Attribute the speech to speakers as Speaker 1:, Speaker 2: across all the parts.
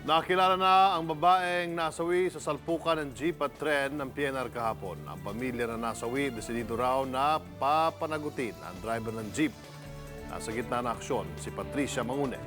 Speaker 1: Nakilala na ang babaeng nasawi sa salpukan ng jeep at tren ng PNR kahapon. Ang pamilya na nasawi, desidido raw na papanagutin ang driver ng jeep. Nasa gitna ng aksyon, si Patricia Mangune.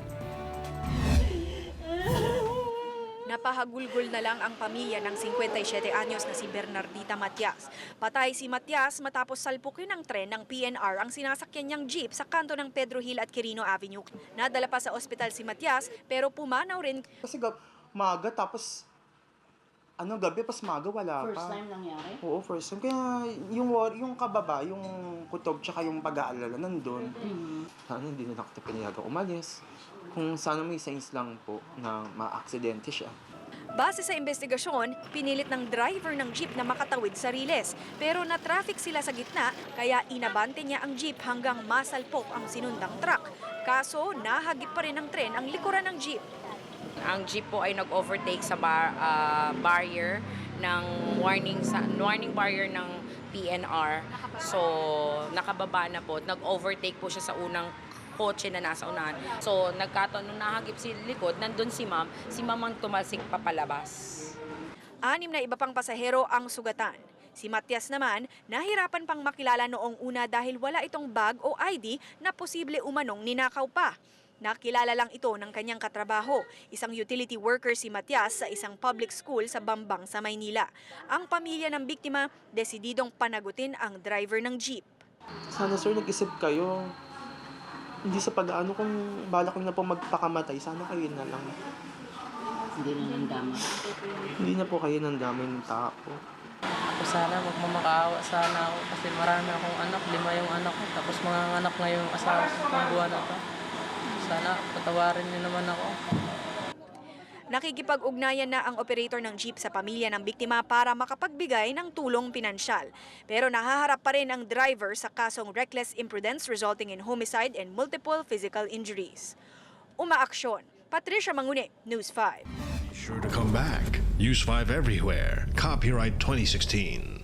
Speaker 2: Napahagulgol na lang ang pamilya ng 57 anyos na si Bernardita Matias. Patay si Matias matapos salpukin ng tren ng PNR ang sinasakyan niyang jeep sa kanto ng Pedro Hill at Quirino Avenue. Nadala pa sa ospital si Matias pero pumanaw rin.
Speaker 3: Kasi maga tapos gabi pas maga wala pa.
Speaker 4: First time nangyari?
Speaker 3: Oo, first time. Kaya yung kababa, yung kutob tsaka yung pag-aalala nandun. Sana hindi na nakita pinayagang umalis. Kung sana may signs lang po na ma-aksidente siya.
Speaker 2: Base sa investigasyon, pinilit ng driver ng jeep na makatawid sa riles. Pero na-traffic sila sa gitna, kaya inabante niya ang jeep hanggang masalpok ang sinundang truck. Kaso, nahagip pa rin ng tren ang likuran ng jeep.
Speaker 5: Ang jeep po ay nag-overtake sa barrier ng warning barrier ng PNR. So, nakababa na po. Nag-overtake po siya sa unang kotse na nasa unahan. So, nagkataon nung nahagip si likod, nandun si ma'am ang tumalsik papalabas.
Speaker 2: 6 na iba pang pasahero ang sugatan. Si Matias naman, nahirapan pang makilala noong una dahil wala itong bag o ID na posible umanong ninakaw pa. Nakilala lang ito ng kanyang katrabaho, isang utility worker si Matias sa isang public school sa Bambang sa Maynila. Ang pamilya ng biktima, desididong panagutin ang driver ng jeep.
Speaker 3: Sana sir, nag-isip kayo. Hindi sa pag-ano kung balak na po magpakamatay, sana kayo na lang.
Speaker 4: Hindi na nandama.
Speaker 3: Hindi na po kayo nandamay ng tao.
Speaker 6: Ako sana magmamakaawa sana ako kasi marami akong anak, 5 yung anak ko, tapos mga anak na yung asawa ko ng buwan na to. Sana patawarin niyo naman ako.
Speaker 2: Nakikipag-ugnayan na ang operator ng jeep sa pamilya ng biktima para makapagbigay ng tulong pinansyal. Pero nahaharap pa rin ang driver sa kasong reckless imprudence resulting in homicide and multiple physical injuries. Umaaksyon. Patricia Mangune, News 5.
Speaker 7: Sure to come back. Use 5 everywhere. Copyright 2016.